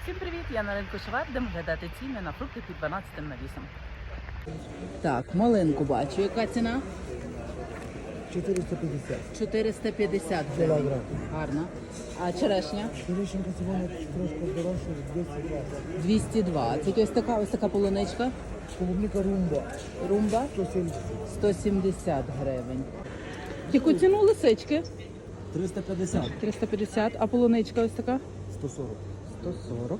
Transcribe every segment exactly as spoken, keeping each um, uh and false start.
Всім привіт! Я на ринку Шевар, будемо глядати ціни на фрукти під дванадцятим навісом. Так, малинку бачу. Яка ціна? чотириста п'ятдесят. чотириста п'ятдесят гривень. Кілограм. Гарно. А черешня? Черешенька сьогодні трошки дорожча, двісті двадцять. двісті двадцять. Ось така, ось така полуничка. Клубника румба, Румба сто сімдесят. сто сімдесят гривень. Яку ціну лисички? триста п'ятдесят. триста п'ятдесят. А полуничка ось така? сто сорок. сто сорок.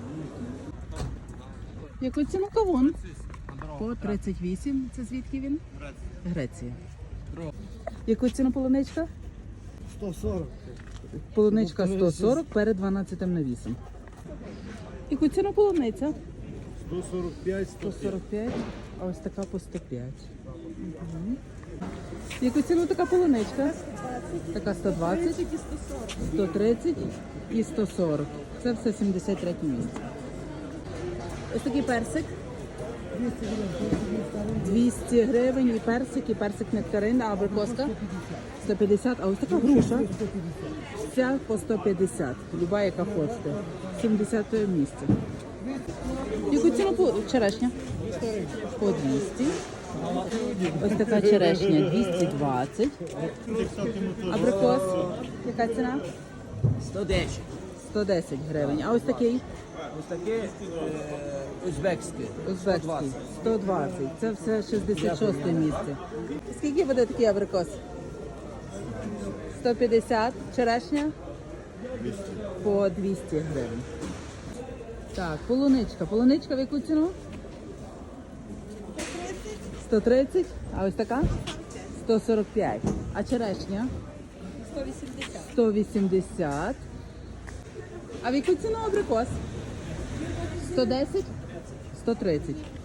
Яку ціну кавун? По тридцять вісім. Це звідки він? Греція. Яку ціну полуничка? сто сорок. Полуничка сто сорок перед дванадцятим навісом. Яку ціну полуниця? сто сорок п'ять, сто сорок п'ять, а ось така по сто п'ять. Угу. Яку ціну така полуничка? Така сто двадцять, сто тридцять і сто сорок. Це все сімдесят третє місце. Ось такий персик. двісті гривень і персик, і персик нектарин, а абрикоска? сто п'ятдесят, а ось така груша. Ця по сто п'ятдесят, люба яка хочете. сімдесяте місце. Яку ціну по черешня? По двісті. Ось така черешня двісті двадцять. Абрикос, яка ціна? сто десять. сто десять гривень. А ось такий? Ось таке е, узбекське. Узбекський. сто двадцять. Це все шістдесят шосте місце. Скільки буде такий абрикос? сто п'ятдесят. Черешня? По двісті гривень. Так, полуничка. Полуничка в яку ціну? сто тридцять. А ось така? сто сорок п'ять. А черешня? сто вісімдесят. А в яку ціну абрикос? сто десять? сто тридцять.